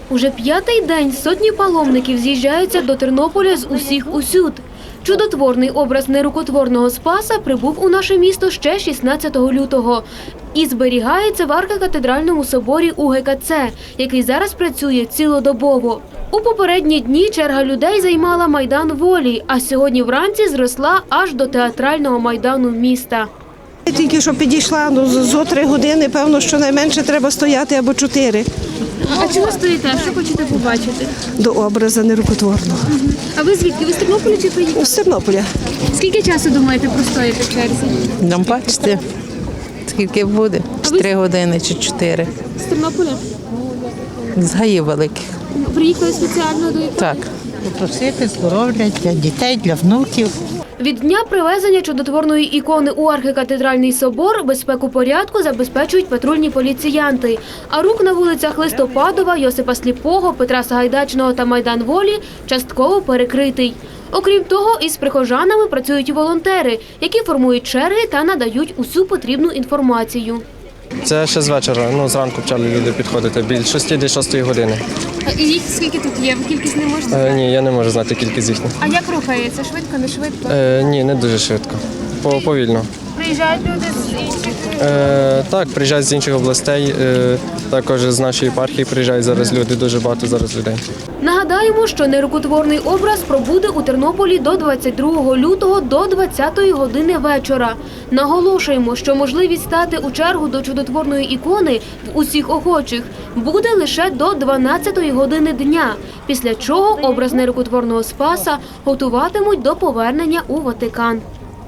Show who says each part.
Speaker 1: Уже п'ятий день сотні паломників з'їжджаються до Тернополя з усіх усюд. Чудотворний образ нерукотворного Спаса прибув у наше місто ще 16 лютого і зберігається в архікатедральному соборі УГКЦ, який зараз працює цілодобово. У попередні дні черга людей займала Майдан Волі, а сьогодні вранці зросла аж до театрального майдану міста.
Speaker 2: Я тільки що підійшла, зо 3 години, певно, що найменше треба стояти або 4.
Speaker 1: А чого стоїте? Що хочете побачити?
Speaker 2: До образа нерукотворного.
Speaker 1: А ви звідки? Ви з Тернополя чи приїхали?
Speaker 2: З Тернополя.
Speaker 1: Скільки часу думаєте простояти в черзі?
Speaker 3: Нам бачите, скільки буде? Чи 3 години, чи 4.
Speaker 1: З Тернополя?
Speaker 3: З гаїв великих.
Speaker 1: Приїхали спеціально до
Speaker 3: Так.
Speaker 4: Попросити здоров'я для дітей, для внуків.
Speaker 1: Від дня привезення чудотворної ікони у архікатедральний собор безпеку порядку забезпечують патрульні поліціянти. А рух на вулицях Листопадова, Йосипа Сліпого, Петра Сагайдачного та Майдан Волі частково перекритий. Окрім того, із прихожанами працюють і волонтери, які формують черги та надають усю потрібну інформацію.
Speaker 5: Це ще з вечора, зранку почали люди підходити, біля 6 години.
Speaker 1: І їх скільки тут є? Кількість не можете?
Speaker 5: Ні, я не можу знати кількість їхніх.
Speaker 1: А як рухається? Швидко, не швидко?
Speaker 5: Ні, не дуже швидко, повільно.
Speaker 1: Приїжджають люди з інших?
Speaker 5: Так, приїжджають з інших областей, також з нашої єпархії приїжджають зараз люди, дуже багато зараз людей.
Speaker 1: Нагадаємо, що нерукотворний образ пробуде у Тернополі до 22 лютого до 20-ї години вечора. Наголошуємо, що можливість стати у чергу до чудотворної ікони в усіх охочих буде лише до 12-ї години дня, після чого образ нерукотворного Спаса готуватимуть до повернення у Ватикан.